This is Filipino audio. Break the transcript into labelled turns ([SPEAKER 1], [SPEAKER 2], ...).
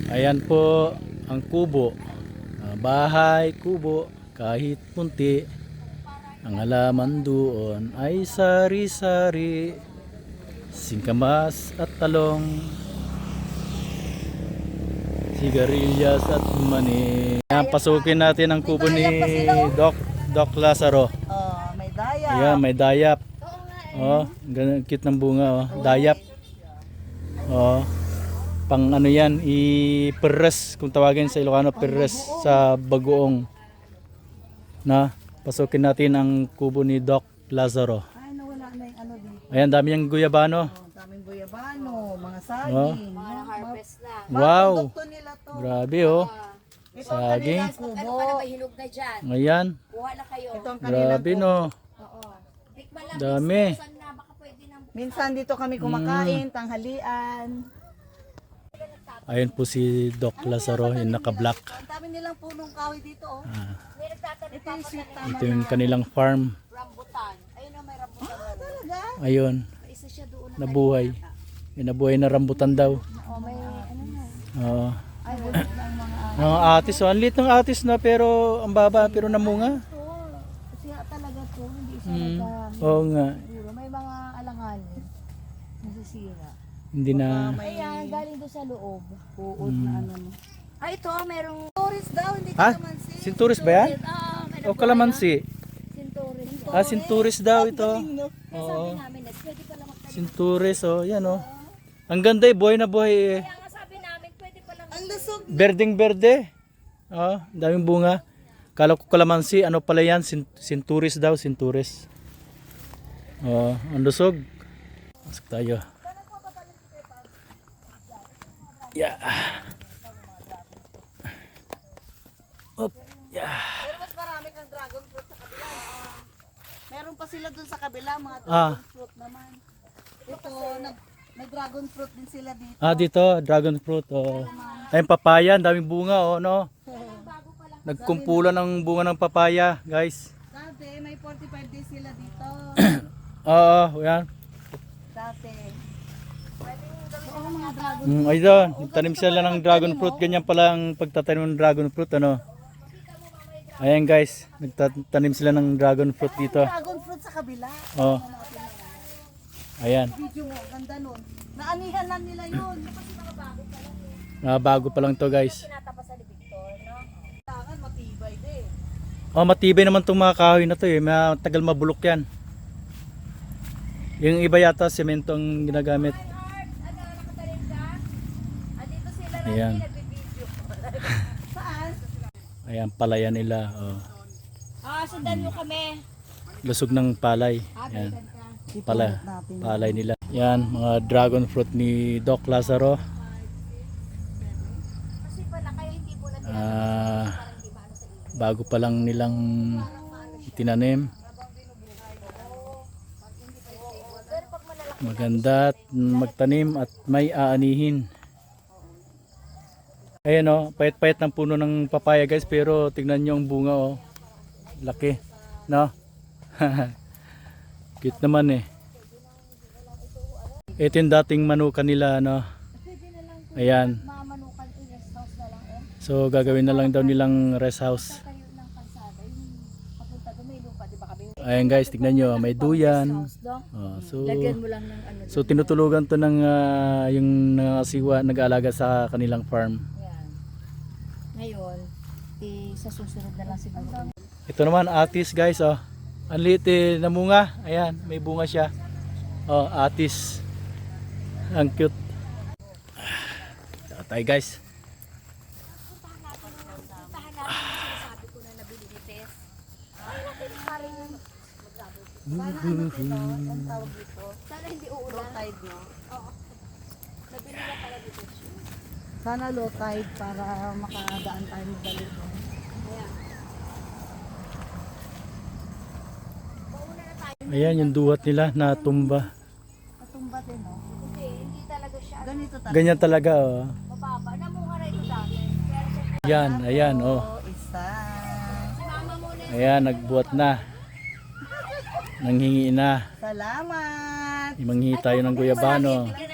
[SPEAKER 1] Ayan po ang kubo. Bahay, kubo, kahit munti. Ang halaman doon ay sari-sari, singkamas at talong, sigarilyas at mani. Ayan, pasukin natin ang kubo ni Doc Lazaro.
[SPEAKER 2] Oh, may daya.
[SPEAKER 1] Ayan, may dayap. Oh, ganun cute ng bunga, oh. Dayap. Oh. Pang ano yan, i-peres kung tawagin sa Ilocano, peres sa bagoong. Na, pasukin natin ang kubo ni Doc Lazaro.
[SPEAKER 2] Ay, nawala na yung ano dito.
[SPEAKER 1] Ayan, dami yung guyabano.
[SPEAKER 2] Oh, daming guyabano, mga saging.
[SPEAKER 1] Oh.
[SPEAKER 3] Mga harvest na.
[SPEAKER 1] Wow.
[SPEAKER 2] Produkto nila to.
[SPEAKER 1] Grabe oh.
[SPEAKER 2] Ito ang
[SPEAKER 1] Saging.
[SPEAKER 2] kanilang kubo.
[SPEAKER 3] Ano ka na may hinog na dyan?
[SPEAKER 1] Ayan.
[SPEAKER 3] Kuha na kayo.
[SPEAKER 2] Ito ang kanilang
[SPEAKER 1] Grabe
[SPEAKER 2] kubo.
[SPEAKER 1] no.
[SPEAKER 3] Oo. Tikman lang.
[SPEAKER 1] Dami.
[SPEAKER 3] Saan na baka pwede nang
[SPEAKER 2] Minsan dito kami kumakain, tanghalian.
[SPEAKER 1] Ayun po si Doc Lazaro, yung naka-black.
[SPEAKER 2] Ang dami nilang punong kahoy dito, oh.
[SPEAKER 3] may nagtatanim
[SPEAKER 2] Ito
[SPEAKER 3] pa
[SPEAKER 2] yung
[SPEAKER 3] ako
[SPEAKER 2] sweet
[SPEAKER 3] ng
[SPEAKER 2] tama.
[SPEAKER 1] Ito yung kanilang farm.
[SPEAKER 3] rambutan. Ayun o, may rambutan na rin.
[SPEAKER 2] Talaga?
[SPEAKER 1] Ayun,
[SPEAKER 3] May isa siya doon.
[SPEAKER 1] nabuhay. May nabuhay na rambutan daw.
[SPEAKER 3] Oh, may ano na.
[SPEAKER 1] Oo.
[SPEAKER 2] Ay, bulot na ang mga
[SPEAKER 1] Mga atis, oh. Ang liit ng atis na pero ang baba pero namunga.
[SPEAKER 3] ito. Kasi talaga to, hindi siya
[SPEAKER 1] Oo nga,
[SPEAKER 3] siguro. May mga alanganin. Nasisira.
[SPEAKER 1] hindi na.
[SPEAKER 3] Ayan, galing doon sa loob. Uod na ano. Ah, ito, merong
[SPEAKER 2] tourist daw, hindi
[SPEAKER 1] Ha?
[SPEAKER 2] ka naman si.
[SPEAKER 1] Sinturis ba yan?
[SPEAKER 3] may
[SPEAKER 1] O kalamansi?
[SPEAKER 3] sinturin.
[SPEAKER 1] Ah, sinturis daw ito.
[SPEAKER 3] Kaya sabi namin, pwede pala magtanim.
[SPEAKER 1] Sinturis, oh. Yan, oh. Ang ganda eh, buhay na buhay eh.
[SPEAKER 3] Kaya nga sabi namin, pwede pala
[SPEAKER 2] Ang lusog.
[SPEAKER 1] Berdeng berde. Oh, daming bunga. Kala ko kalamansi, ano pala yan? Sinturis daw, sinturis. Oh, ang lusog. Pasok tayo. Yeah. Up. Yeah.
[SPEAKER 2] Pero mas marami kang dragon fruit sa kabila. Meron pa sila dun sa kabila, mga
[SPEAKER 1] Ah.
[SPEAKER 2] dragon fruit naman. Ito, may dragon fruit din sila dito.
[SPEAKER 1] Ah, dito, dragon fruit. Oh. Ayun, papaya, ang daming bunga, oh, no? Nagkumpulan ng bunga ng papaya, guys.
[SPEAKER 2] Dati, may 45 days sila dito.
[SPEAKER 1] Oo, yan.
[SPEAKER 2] Dati. Oo, mga dragon.
[SPEAKER 1] Ayun, nagtanim sila ng dragon fruit. Ganyan pala ang pagtatanim ng dragon fruit, ano? Ayan, guys, nagtatanim sila ng dragon fruit dito.
[SPEAKER 2] Dragon fruit sa kabila.
[SPEAKER 1] Oh. Ayan,
[SPEAKER 2] Video mo, ganda nun. Naanihan lang nila yun.
[SPEAKER 1] bago pa lang to, guys.
[SPEAKER 3] tinatapa sa Victor, no?
[SPEAKER 2] Tangan, matibay din.
[SPEAKER 1] Oh, matibay naman tong mga kahoy na to eh. Matagal mabulok yan. Yung iba yata semento ang ginagamit.
[SPEAKER 3] Ano, nakatalim ka? Andito sila na
[SPEAKER 1] Ayan.
[SPEAKER 3] nagbibideo.
[SPEAKER 2] Saan?
[SPEAKER 1] Ayan, palayan nila. Oh.
[SPEAKER 3] Sundan mo kami.
[SPEAKER 1] Lusog ng palay. Ayan, palay nila. Yan, mga dragon fruit ni Doc Lazaro.
[SPEAKER 3] Kasi pala, kaya hindi po na
[SPEAKER 1] Bago pa lang nilang tinanim. Maganda at magtanim at may aanihin. Ayan o, payat-payat ng puno ng papaya guys, pero tignan nyo ang bunga o. Laki, no? Cute naman eh. Ito yung dating manukan nila, no? Ayan.
[SPEAKER 3] mamanukan in rest house na lang eh.
[SPEAKER 1] So gagawin na lang daw nilang rest house.
[SPEAKER 3] Tayo ng kalsada, yung papunta doon may lupa, di ba kami?
[SPEAKER 1] Ayan guys, tignan nyo, may duyan.
[SPEAKER 3] Dong,
[SPEAKER 1] Oh, so
[SPEAKER 3] lagyan mo lang ng ano.
[SPEAKER 1] so tinutulugan to ng yung nangasiwa, nag-aalaga sa kanilang farm.
[SPEAKER 3] Yan. Ngayon, sa susunod na lang siguro.
[SPEAKER 1] Ito naman atis guys, oh. Ang liit eh, namunga. Ayan, may bunga siya. Oh, atis. Ang cute. Ito tayo guys.
[SPEAKER 3] Puntahan natin yung sinasabi ko na nabili ni Tess. Ay, natin parang
[SPEAKER 2] Ang tawag dito.
[SPEAKER 3] sana hindi uulan.
[SPEAKER 2] Low tide, no?
[SPEAKER 3] Oo. Nabili na pala dito siya.
[SPEAKER 2] Sana low tide para makadaan tayo ng dali doon.
[SPEAKER 3] Ayan. Pauna na tayo.
[SPEAKER 1] Ayan yung duhat nila na tumba.
[SPEAKER 2] Katumba din, no?
[SPEAKER 3] Kasi hindi talaga siya
[SPEAKER 2] Ganito talaga.
[SPEAKER 1] Ganyan talaga, oh.
[SPEAKER 3] mababa. Namunga na ito dati. Pero kung
[SPEAKER 1] Ayan, ayan, oh.
[SPEAKER 2] Isa.
[SPEAKER 3] si mama muna
[SPEAKER 1] Ayan, nagbuhat na. Nanghingi na.
[SPEAKER 2] Salamat.
[SPEAKER 1] Manghingi tayo ng guyabano.